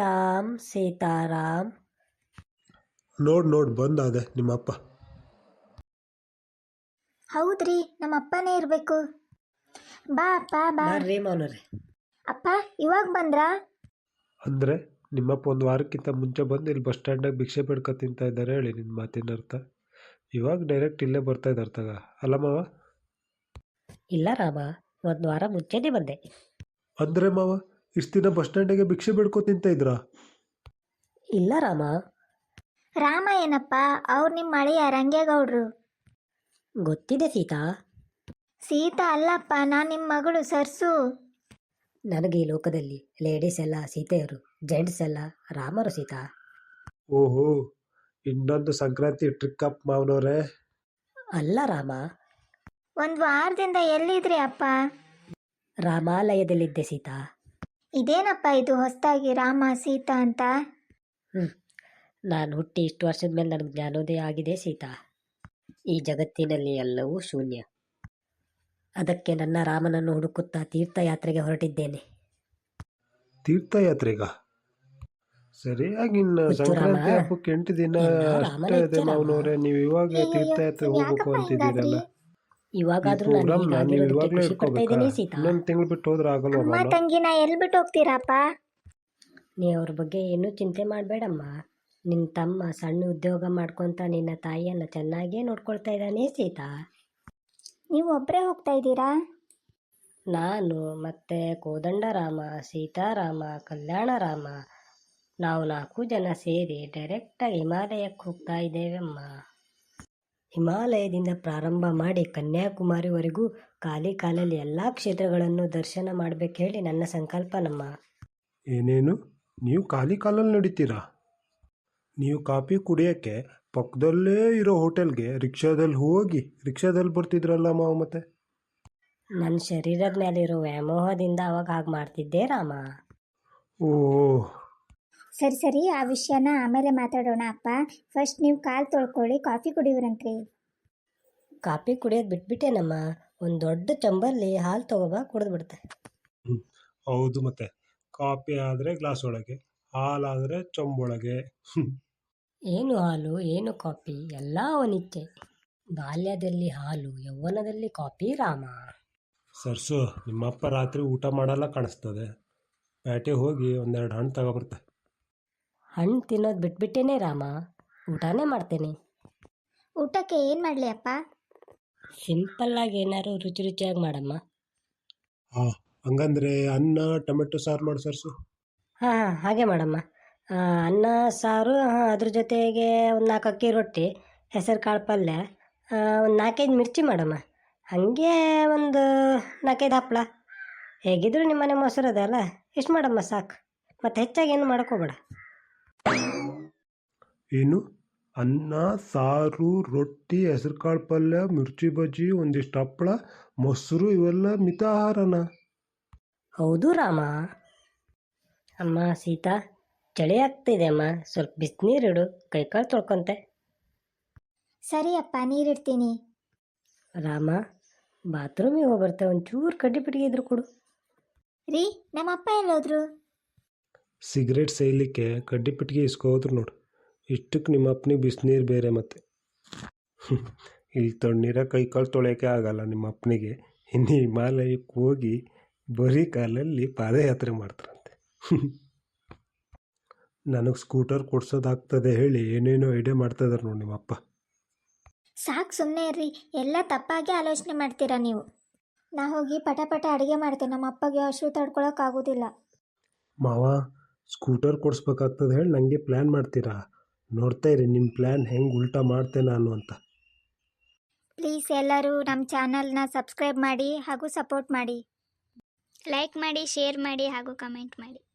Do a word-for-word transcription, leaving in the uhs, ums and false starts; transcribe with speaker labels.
Speaker 1: ಶ್ರೀರಾಮ್ ಸೀತಾರಾಮ್.
Speaker 2: ನೋಡ್ ನೋಡ್ ಬಂದಾದೆ ನಿಮ್ಮಪ್ಪ.
Speaker 3: ಹೌದ್ರಿ, ನಮ್ಮ ಅಪ್ಪನೇ ಇರಬೇಕು. ಬಾ ಅಪ್ಪ ಬಾ.
Speaker 1: ಬರ್ರಿ ಮೌನರೇ.
Speaker 3: ಅಪ್ಪ ಇವಾಗ ಬಂದ್ರಾ?
Speaker 2: ಅಂದರೆ ನಿಮ್ಮಪ್ಪ ಒಂದು ವಾರಕ್ಕಿಂತ ಮುಂಚೆ ಬಂದು ಇಲ್ಲಿ ಬಸ್ ಸ್ಟ್ಯಾಂಡಾಗ ಭಿಕ್ಷೆ ಬೇಡ್ಕೊ ತಿಂತಾ ಇದ್ದಾರೆ ಹೇಳಿ ನಿನ್ನ ಮಾತಿನ ಅರ್ಥ. ಇವಾಗ ಡೈರೆಕ್ಟ್ ಇಲ್ಲೇ ಬರ್ತಾ ಇದ್ದಾರೆ ತಗ, ಅಲ್ಲ ಮಾವ?
Speaker 1: ಇಲ್ಲ ರಾಮ, ಒಂದು ವಾರ ಮುಂಚೆನೇ ಬಂದೆ.
Speaker 2: ಅಂದರೆ ಮಾವ ಇಷ್ಟು ದಿನ ಬಸ್ ಸ್ಟ್ಯಾಂಡಿಗೆ ಭಿಕ್ಷೆ ಬೇಡ್ಕೊ ತಿಂತಾ ಇದ್ರಾ?
Speaker 1: ಇಲ್ಲ ರಾಮ.
Speaker 3: ರಾಮ ಏನಪ್ಪ, ಅವ್ರು ನಿಮ್ಮ ಮಳೆಯ ರಂಗೇಗೌಡ್ರು.
Speaker 1: ಗೊತ್ತಿದೆ ಸೀತಾ.
Speaker 3: ಸೀತಾ ಅಲ್ಲಪ್ಪ, ನಾನು ನಿಮ್ಮ ಮಗಳು ಸರ್ಸು.
Speaker 1: ನನಗೆ ಈ ಲೋಕದಲ್ಲಿ ಲೇಡೀಸ್ ಎಲ್ಲ ಸೀತೆಯರು, ಜೆಂಟ್ಸ್ ಎಲ್ಲ ರಾಮರು ಸೀತಾ.
Speaker 2: ಓಹೋ, ಇನ್ನೊಂದು ಸಂಕ್ರಾಂತಿ ಟ್ರಿಕ್ ಅಪ್ ಮಾವನವ್ರೆ.
Speaker 1: ಅಲ್ಲ ರಾಮ.
Speaker 3: ಒಂದು ವಾರದಿಂದ ಎಲ್ಲಿದ್ರಿ ಅಪ್ಪ?
Speaker 1: ರಾಮಾಲಯದಲ್ಲಿದ್ದೆ ಸೀತಾ.
Speaker 3: ಇದೇನಪ್ಪ ಇದು ಹೊಸದಾಗಿ ರಾಮ ಸೀತಾ ಅಂತ?
Speaker 1: ಹ್ಞೂ ನಾನು ಹುಟ್ಟಿ ಇಷ್ಟು ವರ್ಷದ ಮೇಲೆ ನನಗೆ ಜ್ಞಾನೋದಯ ಆಗಿದೆ ಸೀತಾ. ಈ ಜಗತ್ತಿನಲ್ಲಿ ಎಲ್ಲವೂ ಶೂನ್ಯ. ಅದಕ್ಕೆ ನನ್ನ ರಾಮನನ್ನು ಹುಡುಕುತ್ತಾ ತೀರ್ಥಯಾತ್ರೆಗೆ ಹೊರಟಿದ್ದೇನೆ.
Speaker 2: ತೀರ್ಥಯಾತ್ರೆಗ? ಸರಿಯಾಗಿ ಇನ್ನು
Speaker 1: ಹುಚ್ಚು ರಾಮ,
Speaker 2: ಸಂಕ್ರಾಂತಿ ಹಬ್ಬಕ್ಕೆ ಎಂಟು ದಿನ
Speaker 1: ಎಲ್ಲ
Speaker 2: ಅಷ್ಟೇ
Speaker 1: ರಾಮನ
Speaker 2: ಇದೆ
Speaker 1: ಇಚ್ಛೆ ರಾಮ.
Speaker 2: ಮಾವನವ್ರೆ. ನೀವು ಇವಾಗ
Speaker 3: ಅಯ್ಯಯ್ಯೋ,
Speaker 2: ತೀರ್ಥಯಾತ್ರೆ ಹೋಗ್ಬೇಕು
Speaker 3: ಯಾಕಪ್ಪ
Speaker 2: ಅಂತಿದ್ದೀರಲ್ಲ,
Speaker 3: ಹಿಂಗಾದ್ರಿ?
Speaker 1: ಇವಾಗಾದ್ರೂ
Speaker 2: ಈ
Speaker 1: ನಾನು
Speaker 2: ಪ್ರೋಗ್ರಾಮ್ನ ನೀವು
Speaker 1: ಹೀಗಾಗಿರೋದಕ್ಕೆ
Speaker 2: ಇವಾಗಲೇ
Speaker 1: ಖುಷಿ ಪಡ್ತಾ
Speaker 2: ಇಟ್ಕೋಬೇಕಾ?
Speaker 1: ಇದ್ದೀನಿ ಸೀತಾ.
Speaker 2: ಇನ್ನೊಂದು ತಿಂಗಳು ಬಿಟ್ಟು ಹೋದ್ರೆ ಆಗಲ್ವಾ
Speaker 3: ಅಮ್ಮ
Speaker 2: ಮಾವ?
Speaker 3: ತಂಗಿನ ಎಲ್ಲಿ ಬಿಟ್ಟು ಹೋಗ್ತೀರಪ್ಪ?
Speaker 1: ನೀ ಅವ್ರ ಬಗ್ಗೆ ಏನೂ ಚಿಂತೆ ಮಾಡಬೇಡಮ್ಮ. ನಿನ್ನ ತಮ್ಮ ಸಣ್ಣ ಉದ್ಯೋಗ ಮಾಡ್ಕೊತ ನಿನ್ನ ತಾಯಿಯನ್ನು ಚೆನ್ನಾಗೇ ನೋಡ್ಕೊಳ್ತಾ ಇದ್ದಾನೆ ಸೀತಾ.
Speaker 3: ನೀವು ಒಬ್ಬರೇ ಹೋಗ್ತಾ ಇದ್ದೀರಾ?
Speaker 1: ನಾನು ಮತ್ತೆ ಕೋದಂಡರಾಮ, ಸೀತಾರಾಮ, ಕಲ್ಯಾಣರಾಮ, ನಾವು ನಾಲ್ಕು ಜನ ಸೇರಿ ಡೈರೆಕ್ಟಾಗಿ ಹಿಮಾಲಯಕ್ಕೆ ಹೋಗ್ತಾ ಇದ್ದೇವಮ್ಮ. ಹಿಮಾಲಯದಿಂದ ಪ್ರಾರಂಭ ಮಾಡಿ ಕನ್ಯಾಕುಮಾರಿವರೆಗೂ ಖಾಲಿ ಕಾಲಲ್ಲಿ ಎಲ್ಲ ಕ್ಷೇತ್ರಗಳನ್ನು ದರ್ಶನ ಮಾಡಬೇಕು ಹೇಳಿ ನನ್ನ ಸಂಕಲ್ಪ ನಮ್ಮ.
Speaker 2: ಏನೇನು, ನೀವು ಖಾಲಿ ಕಾಲಲ್ಲಿ ನಡೀತೀರಾ? ನೀವು ಕಾಫಿ ಕುಡಿಯೋಕ್ಕೆ ಪಕ್ಕದಲ್ಲೇ ಇರೋ ಹೋಟೆಲ್ಗೆ ರಿಕ್ಷಾದಲ್ಲಿ ಹೋಗಿ ರಿಕ್ಷಾದಲ್ಲಿ ಬರ್ತಿದ್ರಲ್ಲ ಮಾವ ಮತ್ತೆ?
Speaker 1: ನನ್ನ ಶರೀರದ ಮೇಲಿರೋ ವ್ಯಾಮೋಹದಿಂದ ಅವಾಗ ಹಾಗೆ ಮಾಡ್ತಿದ್ದೆ ರಾಮ.
Speaker 2: ಓ,
Speaker 3: ಸರಿ ಸರಿ, ಆ ವಿಷಯನ ಆಮೇಲೆ ಮಾತಾಡೋಣ ಅಪ್ಪ. ಫಸ್ಟ್ ನೀವು ಕಾಲು ತೊಳ್ಕೊಳ್ಳಿ, ಕಾಫಿ ಕುಡಿಯೋರಂತ್ರಿ.
Speaker 1: ಕಾಫಿ ಕುಡಿಯೋದು ಬಿಟ್ಬಿಟ್ಟೇನಮ್ಮ. ಒಂದು ದೊಡ್ಡ ಚಂಬಲ್ಲಿ ಹಾಲು ತಗೋಬಾ, ಕುಡಿದು ಬಿಡ್ತೆ.
Speaker 2: ಹೌದು ಮತ್ತೆ, ಕಾಫಿ ಆದರೆ ಗ್ಲಾಸ್ ಒಳಗೆ, ಹಾಲಾದರೆ ಚೊಂಬೊಳಗೆ.
Speaker 1: ಏನು ಹಾಲು ಏನು ಕಾಫಿ ಎಲ್ಲ ಅವನಿಚ್ಛೆ. ಬಾಲ್ಯದಲ್ಲಿ ಹಾಲು, ಯೌವನದಲ್ಲಿ ಕಾಫಿ ರಾಮ.
Speaker 2: ಸರ್ಸು, ನಿಮ್ಮಪ್ಪ ರಾತ್ರಿ ಊಟ ಮಾಡಲ್ಲ ಕಾಣಿಸ್ತದೆ. ಪ್ಯಾಟೆ ಹೋಗಿ ಒಂದೆರಡು ಹಣ್ಣು ತಗೊಬರ್ತೆ.
Speaker 1: ಹಣ್ಣು ತಿನ್ನೋದು ಬಿಟ್ಬಿಟ್ಟೇನೆ ರಾಮ, ಊಟನೇ ಮಾಡ್ತೇನೆ.
Speaker 3: ಊಟಕ್ಕೆ ಏನು ಮಾಡಲಿ ಅಪ್ಪ?
Speaker 1: ಸಿಂಪಲ್ಲಾಗಿ ಏನಾದ್ರು ರುಚಿ ರುಚಿಯಾಗಿ ಮಾಡಮ್ಮ.
Speaker 2: ಹಾಂ, ಹಂಗಂದ್ರೆ ಅನ್ನ ಟೊಮೆಟೊ ಸಾರು ಮಾಡಿ ಸರ್ಸು.
Speaker 1: ಹಾಂ ಹಾಂ ಹಾಗೆ ಮಾಡಮ್ಮ. ಆ, ಅನ್ನ ಸಾರು, ಹಾಂ, ಅದ್ರ ಜೊತೆಗೆ ಒಂದು ನಾಲ್ಕು ಅಕ್ಕಿ ರೊಟ್ಟಿ, ಹೆಸರು ಕಾಳು ಪಲ್ಯ, ಒಂದು ನಾಲ್ಕೈದು ಮಿರ್ಚಿ ಮಾಡಮ್ಮ. ಹಾಗೆ ಒಂದು ನಾಲ್ಕೈದು ಹಪ್ಪಳ. ಹೇಗಿದ್ರು ನಿಮ್ಮನೆ ಮೊಸರು ಅದ ಅಲ್ಲ, ಇಷ್ಟು ಮಾಡಮ್ಮ ಸಾಕು. ಮತ್ತು ಹೆಚ್ಚಾಗಿ ಏನು ಮಾಡ್ಕೋಬೇಡ.
Speaker 2: ಏನು, ಅನ್ನ ಸಾರು ರೊಟ್ಟಿ ಹೆಸರು ಕಾಳು ಪಲ್ಯ ಮಿರ್ಚಿ ಬಜ್ಜಿ ಒಂದಿಷ್ಟು ಹಪ್ಪಳ ಮೊಸರು ಇವೆಲ್ಲ ಮಿತಾಹಾರನ?
Speaker 1: ಹೌದು ರಾಮ. ಅಮ್ಮ ಸೀತಾ, ಚಳಿ ಆಗ್ತಿದೆ ಅಮ್ಮ, ಸ್ವಲ್ಪ ಬಿಸಿನೀರಿಡು, ಕೈಕಾಲು ತೊಳ್ಕೊಂತೆ.
Speaker 3: ಸರಿ ಅಪ್ಪ, ನೀರಿಡ್ತೀನಿ.
Speaker 1: ರಾಮ, ಬಾತ್ರೂಮಿಗೆ ಹೋಗ್ಬರ್ತೆ, ಒಂಚೂರು ಕಡ್ಡಿ ಪಿಟ್ಟಿಗೆ ಇದ್ರು ಕೊಡು.
Speaker 3: ರೀ, ನಮ್ಮಪ್ಪ ಎಲ್ಲೋದ್ರು?
Speaker 2: ಸಿಗರೇಟ್ ಸೇಯಲಿಕ್ಕೆ ಕಡ್ಡಿ ಪೆಟ್ಟಿಗೆ ಇಸ್ಕೋದ್ರು ನೋಡು. ಇಷ್ಟಕ್ಕೆ ನಿಮ್ಮ ಅಪ್ಪನಿಗೆ ಬಿಸಿನೀರು ಬೇರೆ ಮತ್ತೆ. ಇಲ್ಲಿ ತಣ್ಣೀರ ಕೈ ಕಾಲು ತೊಳೆಯೋಕ್ಕೆ ಆಗಲ್ಲ ನಿಮ್ಮ ಅಪ್ಪನಿಗೆ. ಇನ್ನು ಹಿಮಾಲಯಕ್ಕೆ ಹೋಗಿ ಬರೀ ಕಾಲಲ್ಲಿ ಪಾದಯಾತ್ರೆ ಮಾಡ್ತಾರಂತೆ. ನನಗೆ ಸ್ಕೂಟರ್ ಕೊಡ್ಸೋದಾಗ್ತದೆ ಹೇಳಿ ಏನೇನೋ ಐಡಿಯಾ ಮಾಡ್ತಾ ಇದ್ದಾರೆ ನೋಡಿ ನಿಮ್ಮಪ್ಪ.
Speaker 3: ಸಾಕು, ಸುಮ್ಮನೆ ಇರ್ರಿ. ಎಲ್ಲ ತಪ್ಪಾಗಿ ಆಲೋಚನೆ ಮಾಡ್ತೀರಾ ನೀವು. ನಾ ಹೋಗಿ ಪಟ ಪಟ ಅಡುಗೆ ಮಾಡ್ತೇನೆ, ನಮ್ಮ ಅಪ್ಪಗೆ ಹಸಿವು ತಡ್ಕೊಳಕ್ಕಾಗೋದಿಲ್ಲ.
Speaker 2: ಮಾವ, ಸ್ಕೂಟರ್ ಕೊಡಿಸ್ಬೇಕಾಗ್ತದೆ ಹೇಳಿ ನನಗೆ ಪ್ಲ್ಯಾನ್ ಮಾಡ್ತೀರಾ? ನೋಡ್ತಾ ಇರಿ ನಿಮ್ಮ ಪ್ಲ್ಯಾನ್ ಹೆಂಗೆ ಉಲ್ಟಾ ಮಾಡ್ತೇನೆ ನಾನು ಅಂತ.
Speaker 3: ಪ್ಲೀಸ್ ಎಲ್ಲರೂ ನಮ್ಮ ಚಾನಲ್ನ ಸಬ್ಸ್ಕ್ರೈಬ್ ಮಾಡಿ ಹಾಗೂ ಸಪೋರ್ಟ್ ಮಾಡಿ.
Speaker 4: ಲೈಕ್ ಮಾಡಿ, ಶೇರ್ ಮಾಡಿ ಹಾಗೂ ಕಮೆಂಟ್ ಮಾಡಿ.